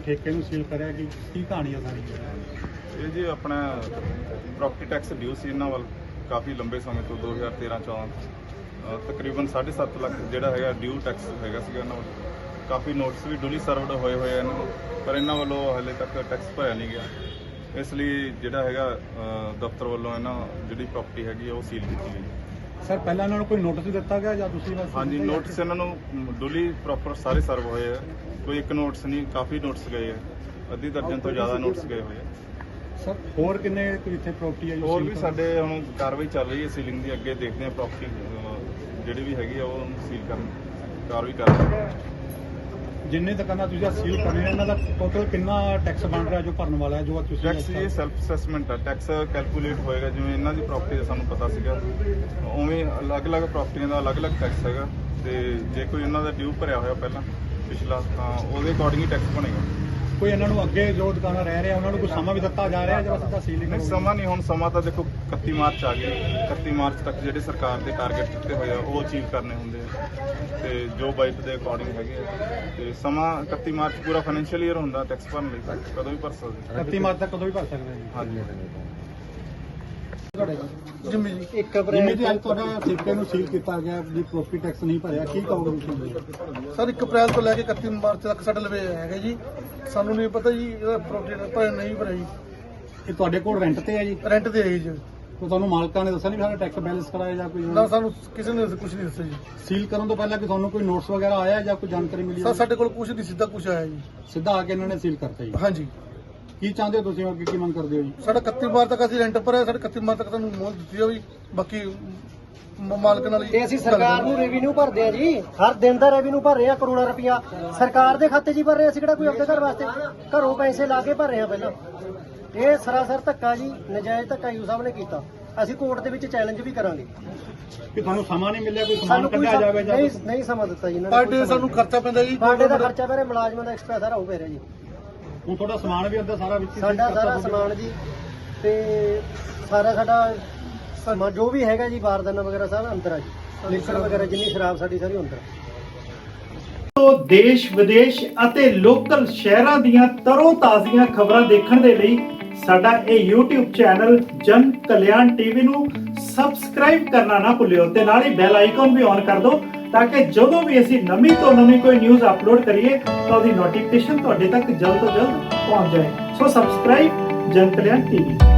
ਠੇਕੇ ਨੂੰ ਸੀਲ ਕਰਿਆ ਕਿ ਕੀ ਕਹਾਣੀ ਆ ਸਾਰੀ? ਇਹ ਜੀ ਆਪਣਾ ਪ੍ਰੋਪਰਟੀ ਟੈਕਸ ਡਿਊ ਸੀ ਇਹਨਾਂ ਵੱਲ ਕਾਫੀ ਲੰਬੇ ਸਮੇਂ ਤੋਂ 2013-14 ਤਕਰੀਬਨ 7.5 ਲੱਖ ਜਿਹੜਾ ਹੈਗਾ ਡਿਊ ਟੈਕਸ ਹੈਗਾ ਸੀਗਾ ਇਹਨਾਂ ਵੱਲ। ਕਾਫੀ ਨੋਟਿਸ ਵੀ ਡੁਲੀ ਸਰਵਡ ਹੋਏ ਆ ਇਹਨਾਂ ਨੂੰ, ਪਰ ਇਹਨਾਂ ਵੱਲੋਂ ਹਾਲੇ ਤੱਕ ਟੈਕਸ ਭਰਿਆ ਨਹੀਂ ਗਿਆ। ਇਸ ਲਈ ਜਿਹੜਾ ਹੈਗਾ ਦਫ਼ਤਰ ਵੱਲੋਂ ਇਹਨਾਂ ਜਿਹੜੀ ਪ੍ਰੋਪਰਟੀ ਹੈਗੀ ਆ ਉਹ ਸੀਲ ਕੀਤੀ ਗਈ। ਸਰ ਪਹਿਲਾਂ ਇਹਨਾਂ ਨੂੰ ਕੋਈ ਨੋਟਿਸ ਦਿੱਤਾ ਗਿਆ ਜਾਂ ਤੁਸੀਂ ਬਸ? ਹਾਂਜੀ, ਨੋਟਿਸ ਇਹਨਾਂ ਨੂੰ ਡੁਲੀ ਪ੍ਰੋਪਰ ਸਾਰੇ ਸਰਵ ਹੋਏ ਆ। ਕੋਈ ਇੱਕ ਨੋਟਿਸ ਨਹੀਂ, ਕਾਫੀ ਨੋਟਿਸ ਗਏ ਆ, ਅੱਧੀ ਦਰਜਨ ਤੋਂ ਜ਼ਿਆਦਾ ਨੋਟਿਸ ਗਏ ਹੋਏ ਆ। ਸਰ ਹੋਰ ਕਿੰਨੇ ਕੋਈ ਇੱਥੇ ਪ੍ਰੋਪਰਟੀ ਹੈ? ਹੋਰ ਵੀ ਸਾਡੇ ਹੁਣ ਕਾਰਵਾਈ ਚੱਲ ਰਹੀ ਹੈ ਸੀਲਿੰਗ ਦੀ। ਅੱਗੇ ਦੇਖਦੇ ਹਾਂ ਪ੍ਰੋਪਰਟੀ ਜਿਹੜੀ ਵੀ ਹੈਗੀ ਆ ਉਹ ਸੀਲ ਕਰਨ ਕਾਰਵਾਈ ਕਰ ਰਹੇ ਹਾਂ। ਜਿੰਨੇ ਦੁਕਾਨਾਂ ਤੁਸੀਂ ਸੀਲ ਕਰ ਰਹੇ ਹੋ ਇਹਨਾਂ ਦਾ ਟੋਟਲ ਕਿੰਨਾ ਟੈਕਸ ਬਣ ਰਿਹਾ ਜੋ ਭਰਨ ਵਾਲਾ ਹੈ ਜੋ ਤੁਸੀਂ? ਟੈਕਸ ਇਹ ਸੈਲਫ ਅਸੈਸਮੈਂਟ ਆ, ਟੈਕਸ ਕੈਲਕੂਲੇਟ ਹੋਏਗਾ ਜਿਵੇਂ ਇਹਨਾਂ ਦੀ ਪ੍ਰਾਪਰਟੀ ਦਾ ਸਾਨੂੰ ਪਤਾ ਸੀਗਾ, ਉਵੇਂ ਅਲੱਗ-ਅਲੱਗ ਪ੍ਰਾਪਰਟੀਆਂ ਦਾ ਅਲੱਗ-ਅਲੱਗ ਟੈਕਸ ਹੈਗਾ। ਤੇ ਜੇ ਕੋਈ ਇਹਨਾਂ ਦਾ ਡਿਊ ਭਰਿਆ ਹੋਇਆ ਪਹਿਲਾਂ ਪਿਛਲਾ, ਤਾਂ ਉਹਦੇ ਅਕੋਰਡਿੰਗ ਹੀ ਟੈਕਸ ਬਣੇਗਾ। ਕੋਈ ਇਹਨਾਂ ਨੂੰ ਅੱਗੇ ਜੋ ਦੁਕਾਨਾਂ ਰਹਿ ਰਹੇ ਉਹਨਾਂ ਨੂੰ ਕੋਈ ਸਮਾਂ ਵੀ ਦਿੱਤਾ ਜਾ ਰਿਹਾ ਜਾਂ ਸਿੱਧਾ ਸੀਲਿੰਗ? ਨਹੀਂ, ਸਮਾਂ ਨਹੀਂ। ਹੁਣ ਸਮਾਂ ਤਾਂ ਦੇਖੋ 31 ਮਾਰਚ ਆ ਗਈ। 31 ਮਾਰਚ ਤੱਕ ਜਿਹੜੇ ਸਰਕਾਰ ਦੇ ਟਾਰਗੇਟ ਦਿੱਤੇ ਹੋਏ ਆ ਉਹ ਅਚੀਵ ਕਰਨੇ ਹੁੰਦੇ ਆ, ਤੇ ਜੋ ਬਾਈਟ ਦੇ ਅਕੋਰਡਿੰਗ ਹੈਗੇ ਆ। ਤੇ ਸਮਾਂ 31 ਮਾਰਚ ਪੂਰਾ ਫਾਈਨੈਂਸ਼ੀਅਲ ਈਅਰ ਹੁੰਦਾ ਟੈਕਸ ਭਰਨ ਲਈ, ਕਦੋਂ ਵੀ ਭਰ ਸਕਦੇ। 31 ਮਾਰਚ ਤੱਕ ਕਦੋਂ ਵੀ ਭਰ ਸਕਦੇ ਜੀ? ਹਾਂਜੀ। ਜਿੰਮੀ ਜੀ, 1 ਅਪ੍ਰੈਲ ਅੱਜ ਤੁਹਾਡਾ ਠੇਕੇ ਨੂੰ ਸੀਲ ਕੀਤਾ ਗਿਆ ਵੀ ਪ੍ਰੋਪਰਟੀ ਟੈਕਸ ਨਹੀਂ ਭਰਿਆ, ਕੀ ਕਹੋਗੇ ਤੁਸੀਂ? ਸਰ 1 ਅਪ੍ਰੈਲ ਤੋਂ ਲੈ ਕੇ 31 ਮਾਰਚ ਤੱਕ ਸਾਡੇ ਲਵੇ ਹੈਗਾ ਜੀ। ਸਾਨੂੰ ਨਹੀਂ ਪਤਾ ਜੀ ਇਹਦਾ ਪ੍ਰੋਪਰਟੀ ਭਰਿਆ ਨਹੀਂ ਭਰਿਆ ਜੀ। ਇਹ ਤੁਹਾਡੇ ਕੋਲ ਰੈਂਟ ਤੇ ਹੈ ਜੀ? ਰੈਂਟ ਤੇ ਹੈ ਜੀ। ਤਾਂ ਤੁਹਾਨੂੰ ਮਾਲਕਾਂ ਨੇ ਦੱਸਿਆ ਨਹੀਂ ਵੀ ਸਾਡਾ ਟੈਕਸ ਬੈਲੈਂਸ ਕਰਾਇਆ ਜਾਂ ਕੋਈ? ਨਾ, ਸਾਨੂੰ ਕਿਸੇ ਨੇ ਕੁਝ ਨਹੀਂ ਦੱਸਿਆ ਜੀ। ਸੀਲ ਕਰਨ ਤੋਂ ਪਹਿਲਾਂ ਕਿ ਤੁਹਾਨੂੰ ਕੋਈ ਨੋਟਿਸ ਵਗੈਰਾ ਆਇਆ ਜਾਂ ਕੋਈ ਜਾਣਕਾਰੀ ਮਿਲੀ? ਸਰ ਸਾਡੇ ਕੋਲ ਕੁਝ ਨਹੀਂ, ਸਿੱਧਾ ਕੁਝ ਆਇਆ ਜੀ। ਸਿੱਧਾ ਆ ਕੇ ਇਹਨਾਂ ਨੇ ਸੀਲ ਕਰਤਾ ਜੀ? ਹਾਂਜੀ। ਕੀ ਚਾਹੁੰਦੇ ਹੋ ਤੁਸੀਂ ਅੱਗੇ, ਕੀ ਮੰਗ ਕਰਦੇ ਹੋ ਜੀ? ਸਾਡਾ 31 ਮਾਰਚ ਤੱਕ ਅਸੀਂ ਰੈਂਟ ਭਰਿਆ, ਸਾਡੇ 31 ਮਾਰਚ ਤੱਕ ਤੁਹਾਨੂੰ ਮੋਹਰ ਦਿੱਤੀ ਜਾਵੇ। ਬਾਕੀ ਮਾਲਕ ਨਾਲ ਤੇ ਅਸੀਂ ਸਰਕਾਰ ਨੂੰ ਰੈਵਨਿਊ ਭਰਦੇ ਆ ਜੀ, ਹਰ ਦਿਨ ਦਾ ਰੈਵਨਿਊ ਭਰ ਰਹੇ ਆ, ਕਰੋੜਾਂ ਰੁਪਇਆ ਸਰਕਾਰ ਦੇ ਖਾਤੇ 'ਚ ਹੀ ਭਰ ਰਹੇ ਆ। ਅਸੀਂ ਕਿਹੜਾ ਕੋਈ ਆਪਣੇ ਘਰ ਵਾਸਤੇ ਘਰੋਂ ਪੈਸੇ ਲਾ ਕੇ ਭਰ ਰਹੇ ਆ ਪਹਿਲਾਂ। ਇਹ ਸਰਾਸਰ ਧੱਕਾ ਜੀ, ਨਜਾਇਜ਼ ਧੱਕਾ ਯੂ ਸਾਹਿਬ ਨੇ ਕੀਤਾ। ਅਸੀਂ ਕੋਰਟ ਦੇ ਵਿੱਚ ਚੈਲੰਜ ਵੀ ਕਰਾਂਗੇ ਕਿ ਤੁਹਾਨੂੰ ਸਮਾਂ ਨਹੀਂ ਮਿਲਿਆ, ਕੋਈ ਸਮਾਨ ਕੱਢਿਆ ਜਾਵੇ ਜਾਂ ਨਹੀਂ ਸਮਾਂ ਦਿੱਤਾ ਜੀ ਇਹਨਾਂ ਪਰ ਡੇ ਸਾਨੂੰ ਖਰਚਾ ਪੈਂਦਾ ਜੀ। ਸਾਡੇ ਦਾ ਖਰਚਾ ਪੈ ਰਿਹਾ, ਮੁਲਾਜ਼ਮਾਂ ਦਾ ਐਕਸਟਰਾ ਸਾਰਾ ਹੋ ਪੈ ਰਿਹਾ ਜੀ। ਹੁਣ ਤੁਹਾਡਾ ਸਮਾਨ ਵੀ ਅੰਦਰ ਸਾਰਾ ਵਿੱਚ? ਸਾਡਾ ਸਾਰਾ ਸਮਾਨ ਜੀ, ਤੇ ਸਾਡਾ ਸਮਾਨ ਜੋ ਵੀ ਹੈਗਾ ਜੀ, ਬਾਰਦਾਨਾ ਵਗੈਰਾ ਸਾਰਾ ਅੰਦਰ ਆ ਜੀ। ਲਿਕਰ ਵਗੈਰਾ ਜਿੰਨੀ ਸ਼ਰਾਬ ਸਾਡੀ ਸਾਰੀ ਅੰਦਰ ਆ। ਦੇਸ਼ ਵਿਦੇਸ਼ ਅਤੇ ਲੋਕਲ ਸ਼ਹਿਰਾਂ ਦੀਆਂ ਤਰੋ ਤਾਜ਼ੀਆਂ ਖਬਰਾਂ ਦੇਖਣ ਦੇ ਲਈ ਸਾਡਾ ਇਹ YouTube ਚੈਨਲ ਜਨ ਕਲਿਆਣ ਟੀਵੀ ਨੂੰ ਸਬਸਕ੍ਰਾਈਬ ਕਰਨਾ ਨਾ ਭੁੱਲਿਓ ਤੇ ਨਾਲ ਹੀ ਬੈਲ ਆਈਕਨ ਵੀ ਔਨ ਕਰ ਦਿਓ ਤਾਂ ਕਿ ਜਦੋਂ ਵੀ ਅਸੀਂ ਨਵੀਂ ਤੋਂ ਨਵੀਂ ਕੋਈ ਨਿਊਜ਼ ਅਪਲੋਡ ਕਰੀਏ ਤਾਂ ਉਹਦੀ ਨੋਟੀਫਿਕੇਸ਼ਨ ਤੁਹਾਡੇ ਤੱਕ ਜਲਦ ਤੋਂ ਜਲਦ ਪਹੁੰਚ ਜਾਏ। ਸੋ ਸਬਸਕ੍ਰਾਈਬ ਜਨ ਕਲਿਆਣ ਟੀਵੀ।